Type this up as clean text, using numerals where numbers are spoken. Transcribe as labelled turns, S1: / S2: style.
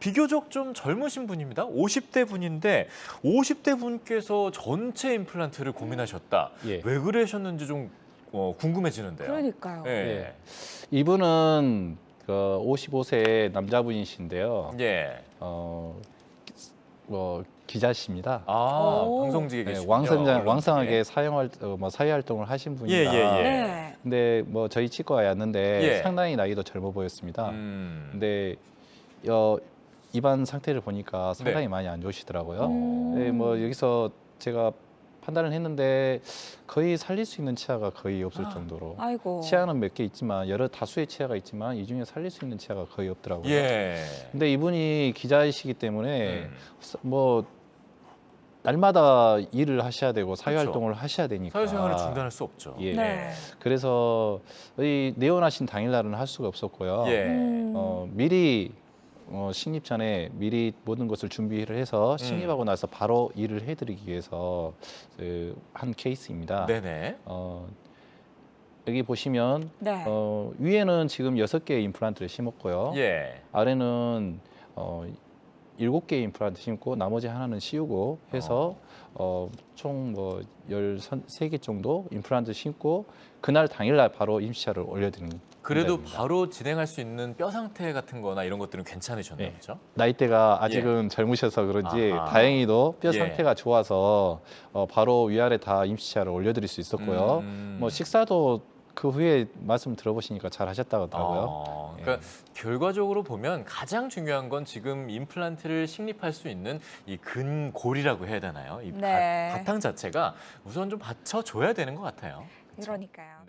S1: 비교적 좀 젊으신 분입니다. 50대 분인데 50대 분께서 전체 임플란트를 고민하셨다.
S2: 예.
S1: 왜 그러셨는지 좀 궁금해지는데요.
S3: 그러니까요.
S1: 예.
S2: 이분은 그 55세 남자분이신데요.
S1: 예.
S2: 기자십니다.
S1: 아,
S3: 오.
S1: 방송직에
S2: 네,
S1: 계시군요.
S2: 왕성하게 사회 활동을 하신 분입니다.
S3: 네.
S2: 근데 뭐 저희 치과에 왔는데
S1: 예.
S2: 상당히 나이도 젊어 보였습니다. 근데 입안 상태를 보니까 상당히
S1: 네.
S2: 많이 안 좋으시더라고요.
S3: 음.
S2: 네, 뭐 여기서 제가 판단을 했는데 거의 살릴 수 있는 치아가 거의 없을 정도로
S3: 아이고.
S2: 치아는 몇 개 있지만 여러 다수의 치아가 있지만 이 중에 살릴 수 있는 치아가 거의 없더라고요.
S1: 예.
S2: 근데 이분이 기자이시기 때문에
S1: 음.
S2: 뭐 날마다 일을 하셔야 되고 사회
S1: 그렇죠.
S2: 활동을 하셔야 되니까
S1: 사회생활을 중단할 수 없죠.
S2: 예.
S3: 네.
S2: 그래서 이 내원하신 당일날은 할 수가 없었고요.
S1: 예.
S2: 미리 식립 전에 미리 모든 것을 준비를 해서 식립하고 나서 바로 일을 해드리기 위해서 한 케이스입니다.
S1: 네네.
S2: 여기 보시면
S3: 네.
S2: 위에는 지금 6개의 임플란트를 심었고요.
S1: 예.
S2: 아래는 7개의 임플란트 심고 나머지 하나는 씌우고 해서 총 뭐 13개 정도 임플란트 심고 그날 당일날 바로 임시차를 올려드리는
S1: 그래도
S2: 기자입니다.
S1: 바로 진행할 수 있는 뼈 상태 같은 거나 이런 것들은 괜찮으셨나요?
S2: 네.
S1: 그렇죠?
S2: 나이대가 아직은 젊으셔서 그런지
S1: 아하.
S2: 다행히도 뼈
S1: 예.
S2: 상태가 좋아서 바로 위아래 다 임시차를 올려드릴 수 있었고요. 뭐 식사도 그 후에 말씀 들어보시니까 잘 하셨다고 하더라고요.
S1: 그러니까 결과적으로 보면 가장 중요한 건 지금 임플란트를 식립할 수 있는 이 근골이라고 해야 되나요? 이
S3: 네.
S1: 바탕 자체가 우선 좀 받쳐줘야 되는 것 같아요.
S3: 그러니까요.